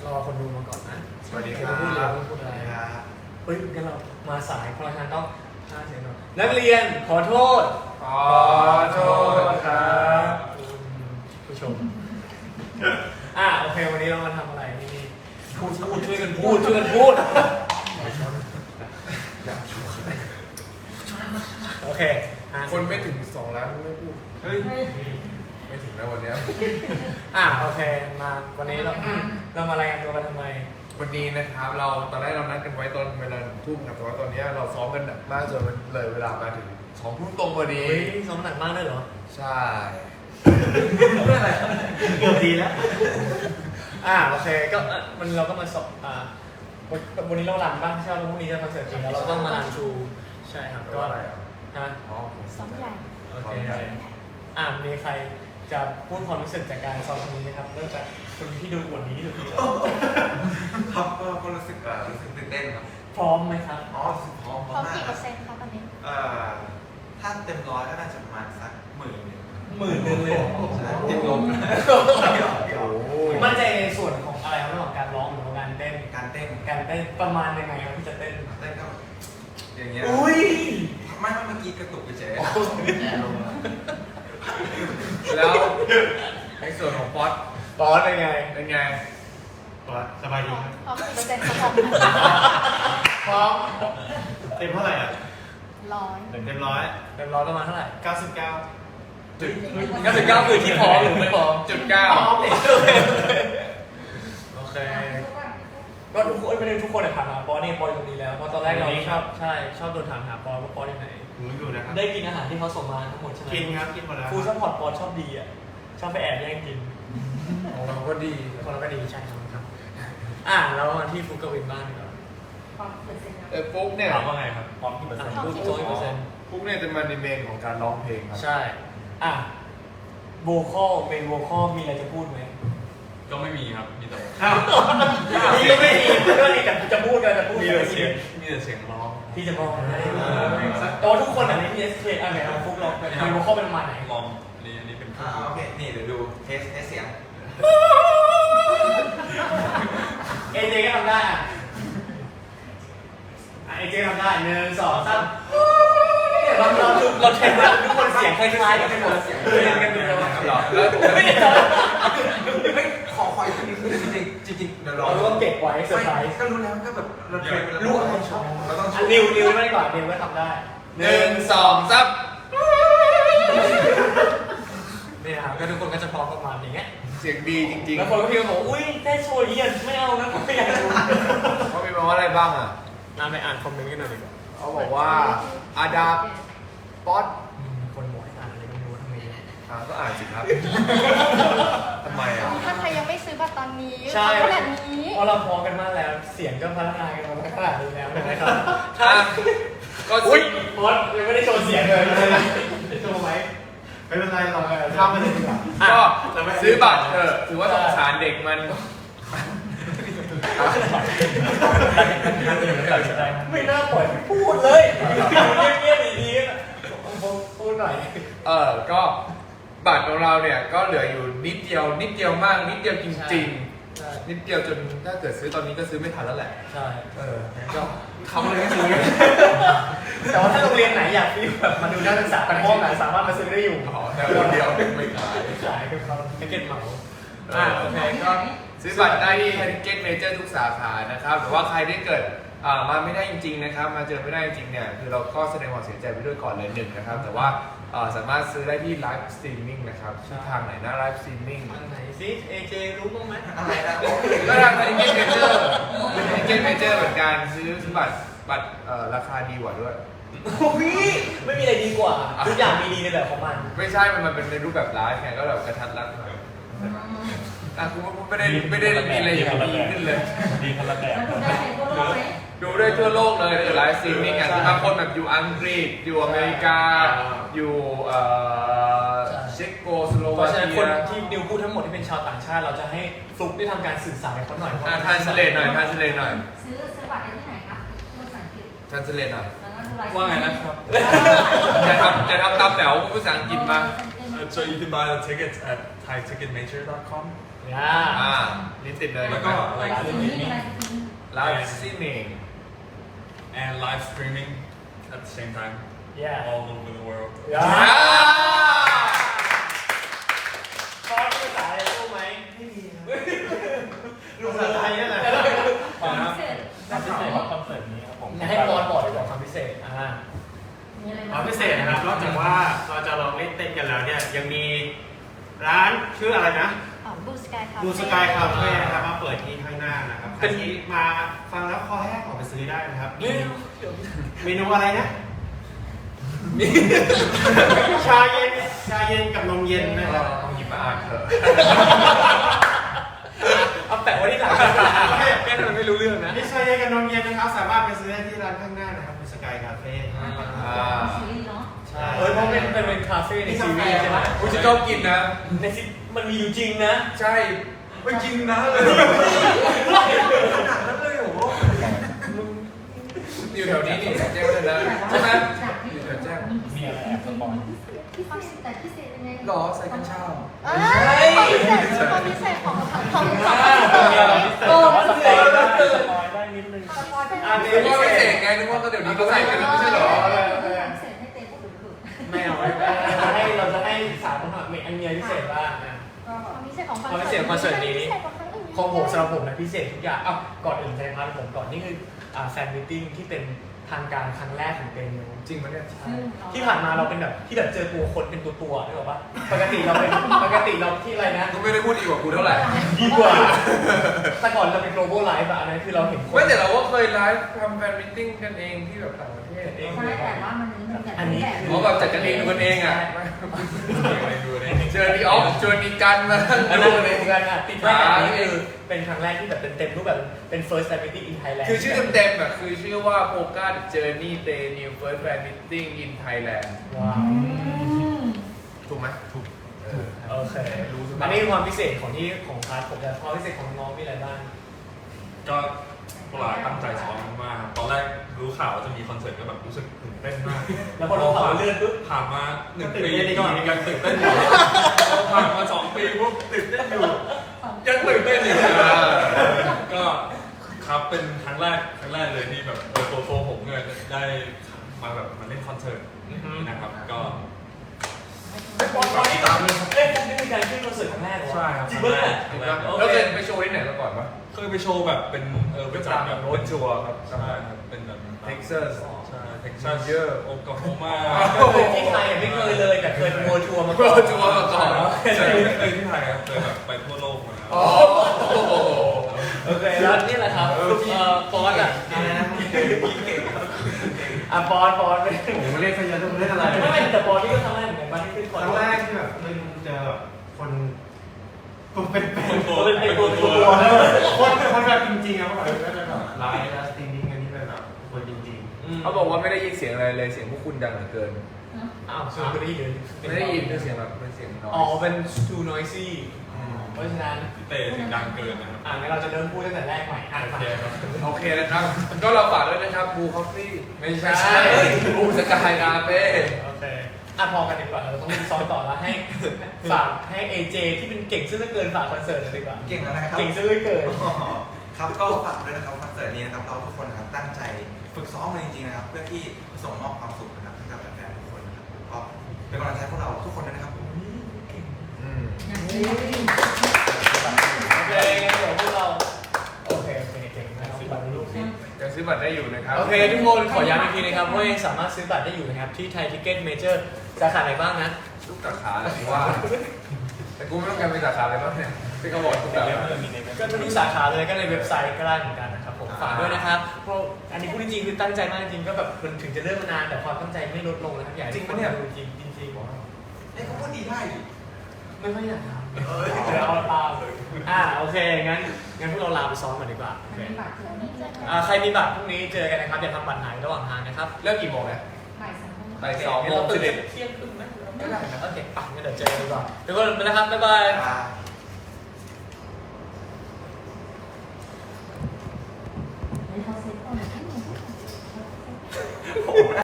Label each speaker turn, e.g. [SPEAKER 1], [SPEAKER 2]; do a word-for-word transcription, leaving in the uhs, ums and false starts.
[SPEAKER 1] รอคนดูมาก่อนนะ
[SPEAKER 2] สวัสดีครับ
[SPEAKER 1] พูดเลยพูดอะไรเฮ้ยงั้นเรามาสายเพราะฉะนั้นต้องห้าเสียงหน่อยนักเรียนขอโทษ
[SPEAKER 2] ขอโทษครับ
[SPEAKER 1] ผู้ชมอ่ะโอเควันนี้เรามาทำอะไรนี่พูดพูดช่วยกันพูดช่วยกันพูดโอเคอ่ะ
[SPEAKER 2] คนไม่ถึงสองล้านไม่พูดเฮ้ยไม่ถึงแล้ววันเนี้ย
[SPEAKER 1] อ่ะโอเคมาวันนี้เราเรามารายงานตัวกันทำไม
[SPEAKER 2] วันนี้นะครับเราตอนแรกเรานัดกันไว้ตอนเวลาหนึ่งทุ่มครับแต่ว่าตอนนี้เราซ้อมกันหนักมากจนมันเลยเวลามาถึงสองทุ่มตรงพอดี
[SPEAKER 1] เฮ้ยซ้อมหนักมากเลยเหรอ
[SPEAKER 2] ใช่
[SPEAKER 1] เพื่ออะไรเกือบดีแล้ว อ่าโอเคก็เอ่อมันเราก็มาสอบอ่าวันวันนี้เรารันบ้างใช่ไหมวันพรุ่งนี้จะคอนเสิร์ตจริงแล้วเราต้องมารันชูใช่ครับ
[SPEAKER 2] ก็
[SPEAKER 1] ก็
[SPEAKER 2] อะไรอ่ะ
[SPEAKER 1] ฮะ
[SPEAKER 2] อ๋อ
[SPEAKER 3] ซ้อมใหญ่
[SPEAKER 1] โอเคอ่ามีใครจะพูดความรู้สึกจากการซ้อมครั้งนี้ไหมครับเริ่มจากคนที่ดูอวดนี้ที่สุด
[SPEAKER 4] ครับก็ก็รู้สึกอ่ารู้สึกตื่นเต้นครับ
[SPEAKER 1] พร้อมไหมครับ
[SPEAKER 4] อ๋อรู้สึกพร้อม
[SPEAKER 3] พร้อม
[SPEAKER 4] มาก
[SPEAKER 3] กี่
[SPEAKER 4] ค
[SPEAKER 3] เป
[SPEAKER 4] รั
[SPEAKER 3] อบ ร์เซ็นต์คะตอนนี้
[SPEAKER 4] เอ่อถ้าเต็มร้อยก็น่าจะประมาณสักหมื่นหนึ่ง
[SPEAKER 1] หมื่นหนึ่งเลยเหรอ
[SPEAKER 4] ใช่ติดลม
[SPEAKER 2] โอ้โห
[SPEAKER 1] มั่นใจในส่วนของอะไรครับระหว่างการร้องหรือว่าการเต้น
[SPEAKER 4] การเต้น
[SPEAKER 1] การเต้นประมาณยังไงครับที่จะเต้น
[SPEAKER 4] เต้นก็อย่างเงี้ย
[SPEAKER 1] อุ้ย
[SPEAKER 4] ไม่ไม่เมื่อกี้กระตุกเฉย
[SPEAKER 2] แล้วในส่วนของป๊อต
[SPEAKER 1] บอสเป็นไง
[SPEAKER 2] เป็นไง
[SPEAKER 5] สบายดีครับ
[SPEAKER 3] พร้อมกี่เปอร์เซ็นต์คะพร้อม
[SPEAKER 1] พร้อม
[SPEAKER 5] เต็มเท่าไหร่อ่ะ
[SPEAKER 3] ร้อย
[SPEAKER 5] เต็มร้อย
[SPEAKER 1] เต็มร้อยประมาณเท่าไหร่
[SPEAKER 5] เก้าสิบเก้า
[SPEAKER 2] จุด
[SPEAKER 1] เก้าสิบเก้าคือที่พร้อมหรือไม่พร้อม
[SPEAKER 2] จุดเก้า
[SPEAKER 1] พร้อมเลยโอเคก็ทุกคนไม่ได้ทุกคนเลยถามหาปอนี่ปออยู่ตรงนี้แล้วเพราะตอนแรกเราชอบใช่ชอบโดนถามหาปอว่าปอที่ไหน
[SPEAKER 5] ผมอยู่นะครับ
[SPEAKER 1] ได้กินอาหารที่เขาส่งมาทั้งหมดใช่ไหม
[SPEAKER 5] กินครับ กินหมดแล้ว
[SPEAKER 1] ฟูดซัพพอร์ตปอชอบดีอ่ะชอบไปแอบแย่งกิน
[SPEAKER 2] เราก็ดี
[SPEAKER 1] คนเราก็ดีใช่ครับครับอ่ะแล้วมาที่ฟูดกวินบ้างดีกว่า
[SPEAKER 3] พร้อมกี่เปอร์เซ็นต์คะ
[SPEAKER 2] เออปุ๊กเนี่ย
[SPEAKER 5] ถามว่าไงครับ พร้อมกี่เปอร์เซ็นต์
[SPEAKER 1] พูดโจ้ยเปอร์เซ็นต์
[SPEAKER 2] ปุ๊กเนี่ยจะมาในเมนของการร้องเพลงครับ
[SPEAKER 1] ใช่อ่ะโวคอลเป็นโวคอลมีอะไรจะพูดไหม
[SPEAKER 5] ก็ไม่มีครับ มีแต่
[SPEAKER 1] นี่ก็ไม่มีก็นี่แต่จะพูดกันจะพูด
[SPEAKER 5] มีแต่เสียง มีแต่เสียงร้อง
[SPEAKER 1] ที่จะมองได้แต่ว่าทุกคนอ่ะใน พี เอส เค อ่ะไหนเราฟุกเรามีโวคอลเป็นประมาณไหน
[SPEAKER 5] มองอันนี้อันนี้เป็น
[SPEAKER 4] ๆอ่าโอเคนี่เดี๋ยวดูเทสเทสเสียง
[SPEAKER 1] เอเจก็ทำได้อ่ะเอเจทำได้หนึ่งสองสามเนี่ยเราเราเราเทสทุกคนเสียงคล้ายๆกันไปหมดเสียงเรียนกันดูเลย
[SPEAKER 2] หรอแล้ว
[SPEAKER 1] ไม่ได้
[SPEAKER 4] ไม่ขอขออีกทีนึงคือจริงจริงๆเดี๋ยวรอ
[SPEAKER 1] เราต้องเก็บไว้เซอร์ไพรส์
[SPEAKER 4] ก็รู้แล้วก็แบบเราเทรนไปแล้ว
[SPEAKER 1] รู้อะไร
[SPEAKER 4] ชอบเราต้อง
[SPEAKER 1] อ่ะนิวนิวไม่ก่อนนิวก็ทำได้
[SPEAKER 2] หนึ่งสองสาม
[SPEAKER 1] นี่นะครับก็ทุกคนก็จะพร้อมประมาณอย่างเงี้ย
[SPEAKER 2] เสียงดีจริง
[SPEAKER 1] แล้วคนก็พิมพ์บอกอุ้ยได้โชว์เยี่ยมไม่เอานะไม่อยากดู
[SPEAKER 2] ๆเขามีมาว่าอะไรบ้างอ่ะ
[SPEAKER 1] น่าไปอ่านคอมเมนต์กันหน่อยดีกว่า
[SPEAKER 2] เขาบอกว่าอาดาบป๊อต
[SPEAKER 1] อืมคนบอกให้อ่านอะไรก็ไม่รู้ทำไมเนี่ย
[SPEAKER 2] อ่าก็อ่านสิครับทำไมอ่ะ
[SPEAKER 3] ถ้าใครยังไม่ซื้อบัตรตอนนี้
[SPEAKER 1] ใช่
[SPEAKER 3] ขนาดนี้
[SPEAKER 1] เพราะเราพร้อมกันมากแล้ว เสียงก็พัฒนากันมาขนาดนี้แล้วนะครับ
[SPEAKER 2] ถ้าก็
[SPEAKER 1] อุ้
[SPEAKER 2] อุ้
[SPEAKER 1] ย
[SPEAKER 2] ย
[SPEAKER 1] บอสยังไม่ได้โชว์เสียงเลยโชว์ไหม
[SPEAKER 5] ไม่เป็นไรเราข้ามไปเลยดีกว่า
[SPEAKER 2] ก็ซื้อบัตรเถอะถือว่าสงสารเด็กมัน
[SPEAKER 1] ไม่น่าปล่อยให้พูดเลยเงียบๆดีๆนะพูดหน่อย
[SPEAKER 2] เออก็บัตรของเราเนี่ยก็เหลืออยู่นิดเดียวนิดเดียวมากนิดเดียวจริง
[SPEAKER 1] ใช่
[SPEAKER 2] ๆ นิดเดียวจนถ้าเกิดซื้อตอนนี้ก็ซื้อไม่ทันแล้วแหละ
[SPEAKER 1] ใช่
[SPEAKER 2] เออก็ทำอะไรก็ซื้อ
[SPEAKER 1] แต่ว่าถ้าโรงเรียนไหนอยากฟีลแบบมาดูนักศึกษาเป็นห้องไหนสามารถมาซื้อได้อยู่
[SPEAKER 2] อ๋อแต่คนเดียวไม่ขาย
[SPEAKER 1] ขายคือเขาแพ็กเกจเหมาอ่าโอเคก็
[SPEAKER 2] ซื้อบัตรได้ที่ Ticket Major ทุกสาขานะครับหรือว่าใครที่เกิดอ่ามาไม่ได้จริงๆนะครับมาเจอไม่ได้จริงๆเนี่ยคือเราก็แสดงความเสียใจไปด้วยก่อนเลยหนึ่งนะครับแต่ว่าอ่าสามารถซื้อได้ที่ไลฟ์สตรีมมิ่งนะครับที่ทางไหนนะไลฟ์สตรีมมิ่ง
[SPEAKER 1] อันไหนซิเอเจรู้บ้างไหม
[SPEAKER 4] อะไรนะ
[SPEAKER 2] ก็ทาง Ticket Major Ticket Major เหมือนกันซื้อซื้อบัตรบัตรเอ่อราคาดีกว่าด้วย
[SPEAKER 1] โอ้ยไม่มีอะไรดีกว่าทุกอย่างมีดีในแบบของมัน
[SPEAKER 2] ไม่ใช่ มันมันเป็นในรูปแบบไลฟ์ไงก็แบบกระทัดรัดหน่อยอ่ะคุณว่าไม่ได้ไม่ได้มีอะไรอย่างดีขึ้นเลย
[SPEAKER 5] ดีคนละแบบ
[SPEAKER 3] ดูได้ในทั่วโลกไหม
[SPEAKER 2] ดูได้ทั่วโลกเลยไลฟ์สตรีมมิ่งอ่ะที่บางคนแบบอยู่อังกฤษ อยู่อเมริกา อยู่เอ่อเช็กโกสโล
[SPEAKER 1] เพ
[SPEAKER 2] วา
[SPEAKER 1] ราะฉะนั้น
[SPEAKER 2] เกี
[SPEAKER 1] คน
[SPEAKER 2] ย
[SPEAKER 1] ที่นิวพูดทั้งหมดที่เป็นชาวต่างชาติเราจะให้ฟลุกได้ทำการสื่อสารกับเขาหน่อย
[SPEAKER 2] อ่ะทานสเลตหน่อยทานสเลตหน่อย
[SPEAKER 3] ซื้อซื้อบัตรได้ที่ไหนคะภาษาอังกฤษ
[SPEAKER 2] ทานสเลตหน่อย
[SPEAKER 3] แล้วก็ดูไลฟ์
[SPEAKER 5] ว่าไงนะครับ
[SPEAKER 2] จะทำจะทำตามแถวภาษาอังกฤษมา
[SPEAKER 5] So you can buy the tickets at thai ticket major dot com
[SPEAKER 1] อ่า
[SPEAKER 2] อ่ารีเทติดเลย
[SPEAKER 5] แล้วก็
[SPEAKER 3] ไลฟ์สตรีมมิ่งไลฟ์สตรีมมิ่ง
[SPEAKER 2] ไลฟ์สตรีมมิ่ง
[SPEAKER 5] and live streaming at the same time
[SPEAKER 1] yeah
[SPEAKER 5] all over the world
[SPEAKER 1] อย่าซอสภาษาอะไรรู้ไหมไม่มีรู้ภาษาไทยนั่นแหละ
[SPEAKER 3] ความพิเศษ
[SPEAKER 5] ความพิเศษของคอนเสิร์ตนี้ครับผม
[SPEAKER 1] ให้บอลบอกดีกว่าความพิเศษอ่า
[SPEAKER 3] มีอะไร
[SPEAKER 6] ความพิเศษนะครับนอกจากว่าเราจะลองเล่นเต้นกันแล้วเนี่ยยังมีร้านชื่ออะไรนะ
[SPEAKER 3] บูสกายคาเฟ่
[SPEAKER 6] บูสกายคาเฟ่นะครับมาเปิดที่ข้างหน้านะครับใครที่มาฟังแล้วคอแห้งออกไปซื้อได้นะครับมีเมนูอะไรนะชาเย็นชาเย็นกับนมเย็นนะครับ
[SPEAKER 2] ต้องหยิบมาอ่านเถอะ
[SPEAKER 1] เอาแปะไว้ที่หลังแค่นั้นไม่รู้เรื่องนะ
[SPEAKER 6] มีชาเย็นกับนมเย็นนะครับสามารถไปซื้อได้ที่ร้านข้างหน้านะครับบูสกายคาเฟ่
[SPEAKER 3] ซีรีส์เนาะ
[SPEAKER 6] ใช่
[SPEAKER 1] เออเพราะเป็นเป็นเป็นคาเฟ่ในซีรีส์ใช่ไหม
[SPEAKER 2] กูจะชอบกินนะ
[SPEAKER 1] ในซีมันมีอยู่จริงนะ
[SPEAKER 2] ใช่ไม่จริงนะเลย
[SPEAKER 4] ขนาดนั้นเลยเหรอ
[SPEAKER 2] อยู่แถวนี้นี่แจ้งเลยนะใช่ไหมอยู่แถวแจ้ง
[SPEAKER 5] มีอะไรแอบสปอย
[SPEAKER 3] ที่พิเศษแต่พิเศษยังไง
[SPEAKER 4] หรอใส่กัญชา
[SPEAKER 3] เอ้ยความพิเศษความพิเศษของของของ
[SPEAKER 5] มีอะไรพิเศษแต่ว่าสปอยได้สปอยได้นิดนึง
[SPEAKER 1] อันนี้
[SPEAKER 2] นึกว่าไม่เสกไงนึกว่าก็เดี๋ยวนี้ก็ใส่กันแล้วไม่ใช่เหรอ
[SPEAKER 3] พิเศษให้เต้พูดถึง
[SPEAKER 1] ไม่เอาไม่เอาเราจะให้เราจะให้สามคนมีอันเมียพิเศษบ้างนะ
[SPEAKER 3] ความพิเศษของ
[SPEAKER 1] ความพิเศษของคอนเสิร์ตนี้
[SPEAKER 3] พิเศษของครั้งอื่น
[SPEAKER 1] ของผมสำหรับผมนะพิเศษทุกอย่างอ้าวก่อนอื่นใจพาร์ทผมก่อนนี่คืออ่าแฟนมิทติ้งที่เป็นทางการครั้งแรกของเต็มโน
[SPEAKER 2] จริงปะเนี่ย
[SPEAKER 1] ที่ผ่านมาเราเป็นแบบที่แบบเจอตัวคนเป็นตัวตัวนึกออกปะปกติเราเป็นปกติเราที่อะไรนะ
[SPEAKER 2] ก็ไม่ได้พูดดีกว่ากูเท่าไหร่
[SPEAKER 1] ดีกว่า แต่ก่อนเราเป็น global live อะอันนั้นคือเราเห็นคน
[SPEAKER 2] ไม่แต่เราก็เคยไลฟ์ทำแฟนมิทติ้งกันเองที่แบบต่างประเทศเอง
[SPEAKER 3] ใช่แต่ว่ามันมีแบบ
[SPEAKER 1] อันนี้
[SPEAKER 2] เขาแบบจัดกันเองดูกันเองอ่ะ
[SPEAKER 5] อะไรดูเนี่ย
[SPEAKER 2] เจอพี่ออฟเจอมีกันมา
[SPEAKER 1] อัน
[SPEAKER 2] ดู
[SPEAKER 1] นั้น
[SPEAKER 2] กันเอ
[SPEAKER 1] เหมื
[SPEAKER 2] ง
[SPEAKER 1] อนกันอะติดไว้อันนี้คือเป็นครั้งแรกที่แบบเต็มๆรูปแบบเป็น first fan meeting in Thailand
[SPEAKER 2] คือชื่อเต็มๆอ่ะคือชื่อว่า Polka Journey Day New First Fan Meeting in Thailand
[SPEAKER 1] ว้าว
[SPEAKER 2] ถูกไหมถูก
[SPEAKER 1] โอเคอันนี้คือความพิเศษของที่ของพาร์ทผมแต่ความพิเศษของน้องมีอะไรบ้าง
[SPEAKER 5] ก็พวกเราตั้งใจซ้อมมากตอนแรกรู้ข่าวว่าจะมีคอนเสิร์ตก็แบบรู้สึกตื่นเต้นมาก
[SPEAKER 1] แล้วพอเราผ่านเลื่อนปุ๊บ
[SPEAKER 5] ผ่านมาหนึ่งปีก็ยังตื่นเต้นอยู่ผ่านมาสองปีปุ๊บตื่นเต้นอยู่ยังตื่นเต้นอยู่ก็ครับเป็นครั้งแรกครั้งแรกเลยที่แบบเออตัวตัวผมเนี่ยได้มาแบบมาเล่นคอนเสิร์ตนะครับก็
[SPEAKER 1] ตอนนี้แบบเอ้ยนี่เป็นการขึ้นคอนเสิร์ตครั้งแรกเหรอ
[SPEAKER 5] ใช่ครับ
[SPEAKER 1] จริงปะเนี่ย
[SPEAKER 5] ครั้งแรก
[SPEAKER 2] แล้วเคยไปโชว์ที่ไหนมาก่อนปะ
[SPEAKER 5] เคยไปโชว์แบบเป็นเออไปจัดแบบ
[SPEAKER 2] โรดชัวร์ครับ
[SPEAKER 5] ใช่ครับเป็นแบบ
[SPEAKER 2] เท็กซัส
[SPEAKER 5] ใช่เท็กซัสเยอะโอคลาโฮมา
[SPEAKER 1] เคยที่ไทยไม่เคยเลยแต่เคยโมทัวร์มา
[SPEAKER 2] โรดชัวร์มาก่อน
[SPEAKER 5] ใช่ไม่เคยที่ไทยครับเคยแบบไปทั่วโลกมาแล้ว
[SPEAKER 2] โอ้โห
[SPEAKER 1] โอเคแล้วนี่แหละครับเอ่อฟอนต์อ่ะ
[SPEAKER 6] อะไรนะ
[SPEAKER 1] อ่ะฟอนต์ฟอนต์ไม่
[SPEAKER 6] ผมเรียกเขาเยอะทุกเรื่องอะไร
[SPEAKER 1] ไม่แต่ฟอนต์นี่ก็ทำได้เหมือนกันบ้างที่ขึ้น
[SPEAKER 6] ค
[SPEAKER 1] คอน
[SPEAKER 6] รั้งแรกที่แบบมันเจอแบบคนตัวเป็นเป็น
[SPEAKER 5] ตัว
[SPEAKER 1] เป็นเป็นตัวตัว
[SPEAKER 6] คนคนแบบจริงๆอะเขาบอกว่าจะแบบไลฟ์แล้วสตรีมมิ่งกันที่เป็นแบบคนจริง
[SPEAKER 2] เขาบอกว่าไม่ได้ยินเสียงอะไรเลยเสียงพวกคุณดังเหลือเกิน
[SPEAKER 1] อ้าวคือไม่ได้ยิน
[SPEAKER 2] ไม่ได้ยินเป็นเสียงแบบเป็นเสียงน้อย
[SPEAKER 1] อ๋อเป็น too noisy เพราะฉะนั้น
[SPEAKER 5] พี่เต้เสียงดังเกินนะครับ
[SPEAKER 1] อ่ะงั้นเราจะเริ่มพูดตั้งแต่แรกใหม่อ่าน
[SPEAKER 5] โอ
[SPEAKER 1] ฟัง
[SPEAKER 5] เคครับ
[SPEAKER 2] โอเคนะครับ ก็เราฝากด้วยนะครับบูคอฟฟี่ไม่ใช่บูสกายคาเฟ่
[SPEAKER 1] โอเคอ่ะพอกันดีกว่าเราต้องมีซ้อมต่อแล้วให้ฝากให้ เอ เจ ที่เป็นเก่งซึ่งเหลือเกินฝากคอนเสิร์ตเลยดีกว่า
[SPEAKER 4] เก่งแล้วนะครับ
[SPEAKER 1] เก่งซึ่งเหลือเกิน
[SPEAKER 4] ครับก็ฝากด้วยนะครับคอนเสิร์ตนี้นะครับเราทุกคนนะครับตั้งใจฝึกซ้อมมาจริงๆนะครับเพื่อที่ส่งมอบความสุขนะครับให้กับแฟนๆทุกคนนะครับก็เป็นกำลังใจพวกเราทุกคนด้วยนะครับผม
[SPEAKER 2] อืม
[SPEAKER 1] โอเคงั้นเดี๋ยวพวกเราโอเคโอเคเก่งนะครับบัตรลูกนี่
[SPEAKER 2] ยังซื้อบัตรได้อยู่นะครับ
[SPEAKER 1] โอเคทุกคนขอย้ำอีกทีนะครับว่ายังสามารถซื้อบัตรได้อยู่นะครับที่ไทยทิเก็ตเมเจอร์สาขาไหนบ้างนะ
[SPEAKER 2] ทุกสาขาเลยว่า แต่กูไม่ต้องการเป็นสาขาอะไรบ้างเนี่ยที่เขาบอกทุกสาขา
[SPEAKER 1] ก็ทุกสาขาเลยก็ในเว็บไซต์ก็ได้เหมือนกันนะครับผมฝากด้วยนะครับเพราะอันนี้พูดจริงๆคือตั้งใจมากจริงๆก็แบบมันถึงจะเริ่มมานานแต่ความตั้งใจไม่ลดลงนะครับอยากให้ทุกคนดูจริงจริงๆ
[SPEAKER 4] เอ้ยเขาพูดดีได้ดิ
[SPEAKER 1] ไม่ค่อยอยากทำเดี๋ยวเอาตามเลยอ่าโอเคงั้นงั้นพวกเราลาไปซ้อมก่อนดีกว่าโอเค
[SPEAKER 3] มีบัตรเจอนี่เจอกัน
[SPEAKER 1] อ่าใครมีบัตรพรุ่งนี้เจอกันนะครับอย่าทำบัตรหายระหว่างทางนะครับ
[SPEAKER 2] เลิกกี่โมงนะ
[SPEAKER 3] บ่ายสามโมง
[SPEAKER 2] บ่ายสองโมง
[SPEAKER 1] ตื่
[SPEAKER 2] สิ
[SPEAKER 1] น
[SPEAKER 2] บเอ็ด
[SPEAKER 1] เที่ยงครึ่งไหมไม่ได้นะโอเคป่ะงั้นเดี๋ยวเจอกันดีกว่าทุกคนไปนะครับบ๊ายบาย
[SPEAKER 4] อ่า